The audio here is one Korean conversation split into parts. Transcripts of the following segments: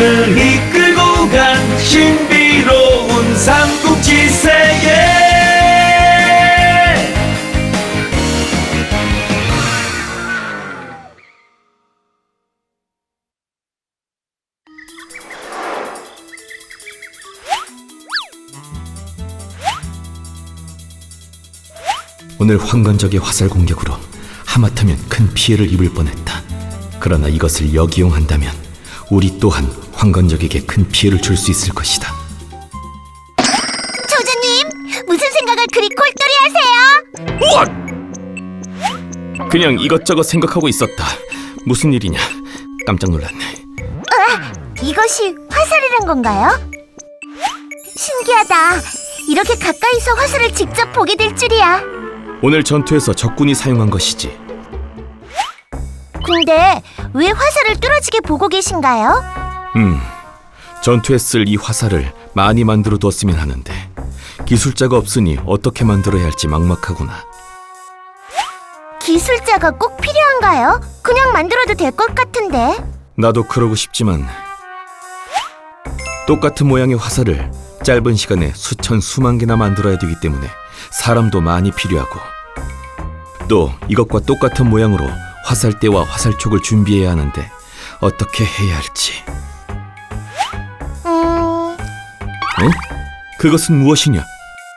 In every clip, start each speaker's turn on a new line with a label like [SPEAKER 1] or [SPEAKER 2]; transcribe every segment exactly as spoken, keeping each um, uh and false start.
[SPEAKER 1] 우리를 이끌고 간 신비로운 삼국지 세계.
[SPEAKER 2] 오늘 황건적의 화살 공격으로 하마터면 큰 피해를 입을 뻔했다. 그러나 이것을 역이용한다면 우리 또한 황건적에게 큰 피해를 줄 수 있을 것이다.
[SPEAKER 3] 조조님, 무슨 생각을 그리 꼴똘히 하세요?
[SPEAKER 2] 그냥 이것저것 생각하고 있었다. 무슨 일이냐? 깜짝 놀랐네.
[SPEAKER 3] 으아, 이것이 화살이란 건가요? 신기하다. 이렇게 가까이서 화살을 직접 보게 될 줄이야.
[SPEAKER 2] 오늘 전투에서 적군이 사용한 것이지.
[SPEAKER 3] 근데 왜 화살을 뚫어지게 보고 계신가요?
[SPEAKER 2] 음, 전투에 쓸 이 화살을 많이 만들어 두었으면 하는데 기술자가 없으니 어떻게 만들어야 할지 막막하구나.
[SPEAKER 3] 기술자가 꼭 필요한가요? 그냥 만들어도 될 것 같은데.
[SPEAKER 2] 나도 그러고 싶지만 똑같은 모양의 화살을 짧은 시간에 수천 수만 개나 만들어야 되기 때문에 사람도 많이 필요하고, 또 이것과 똑같은 모양으로 화살대와 화살촉을 준비해야 하는데 어떻게 해야 할지.
[SPEAKER 3] 음...
[SPEAKER 2] 응? 그것은 무엇이냐?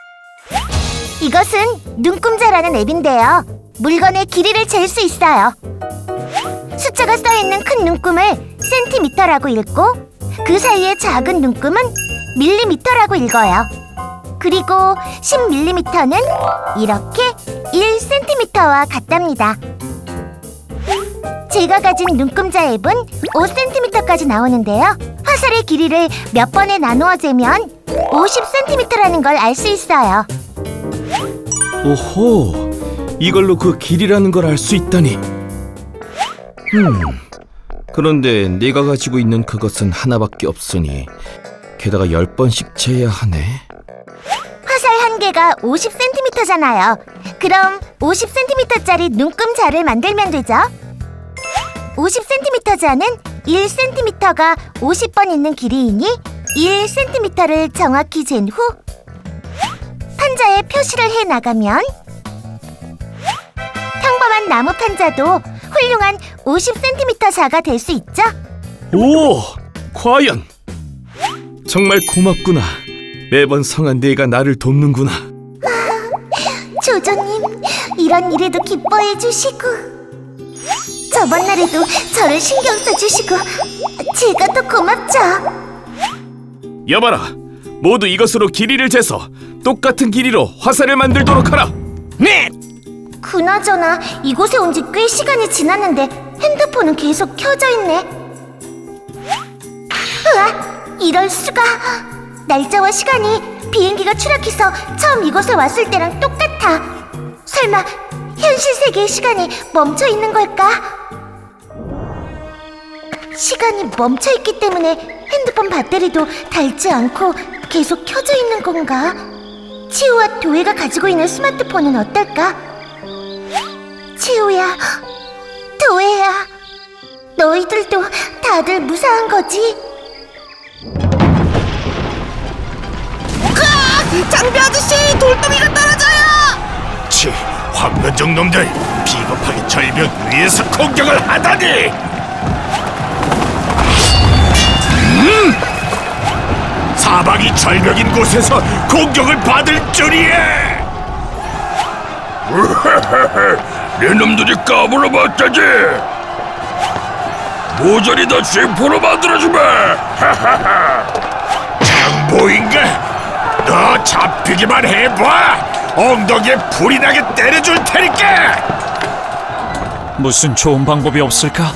[SPEAKER 3] 이것은 눈금자라는 앱인데요. 물건의 길이를 잴 수 있어요. 숫자가 써있는 큰 눈금을 센티미터라고 읽고 그 사이의 작은 눈금은 밀리미터라고 읽어요. 그리고 십 밀리미터는 이렇게 일 센티미터와 같답니다. 제가 가진 눈금자 앱은 오 센티미터까지 나오는데요. 화살의 길이를 몇 번에 나누어 재면 오십 센티미터라는 걸 알 수 있어요.
[SPEAKER 2] 오호, 이걸로 그 길이라는 걸 알 수 있다니. 음, 그런데 내가 가지고 있는 그것은 하나밖에 없으니 게다가 열 번씩 재야 하네.
[SPEAKER 3] 화살 한 개가 오십 센티미터잖아요. 그럼 오십 센티미터짜리 눈금자를 만들면 되죠. 오십 센티미터 자는 일 센티미터가 오십 번 있는 길이이니 일 센티미터를 정확히 잰 후 판자에 표시를 해 나가면 평범한 나무 판자도 훌륭한 오십 센티미터 자가 될 수 있죠.
[SPEAKER 2] 오, 과연! 정말 고맙구나. 매번 성한 네가 나를 돕는구나.
[SPEAKER 3] 조조님, 이런 일에도 기뻐해 주시고 저번 날에도 저를 신경 써주시고 제가 더 고맙죠.
[SPEAKER 2] 여봐라, 모두 이것으로 길이를 재서 똑같은 길이로 화살을 만들도록 하라. 네!
[SPEAKER 3] 그나저나 이곳에 온 지 꽤 시간이 지났는데 핸드폰은 계속 켜져 있네. 으아, 이럴 수가. 날짜와 시간이 비행기가 추락해서 처음 이곳에 왔을 때랑 똑같아. 설마 현실 세계의 시간이 멈춰 있는 걸까? 시간이 멈춰 있기 때문에 핸드폰 배터리도 닳지 않고 계속 켜져 있는 건가? 치우와 도혜가 가지고 있는 스마트폰은 어떨까? 치우야, 도혜야, 너희들도 다들 무사한 거지? 으악! 장비 아저씨, 돌덩이가 떨어져요!
[SPEAKER 4] 치, 황건적 놈들 비겁하게 절벽 위에서 공격을 하다니! 음! 사방이 절벽인 곳에서 공격을 받을 줄이야! 내 놈들이 까불어 봤다지! 모조리 다 쥐포로 만들어주마! 장보인가? 너 잡히기만 해봐! 엉덩이에 불이 나게 때려줄 테니까!
[SPEAKER 5] 무슨 좋은 방법이 없을까?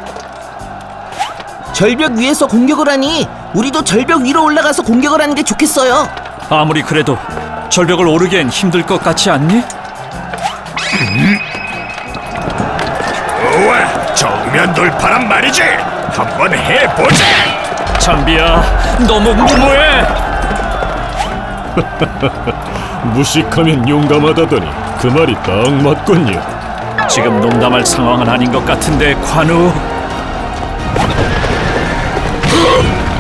[SPEAKER 6] 절벽 위에서 공격을 하니 우리도 절벽 위로 올라가서 공격을 하는 게 좋겠어요.
[SPEAKER 5] 아무리 그래도 절벽을 오르기엔 힘들 것 같지 않니?
[SPEAKER 4] 음? 좋아, 정면 돌파란 말이지! 한번 해보자!
[SPEAKER 5] 장비야, 너무 무모해!
[SPEAKER 7] 무식하면 용감하다더니 그 말이 딱 맞군요.
[SPEAKER 5] 지금 농담할 상황은 아닌 것 같은데, 관우.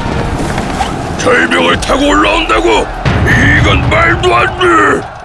[SPEAKER 4] 절벽을 타고 올라온다고? 이건 말도 안 돼!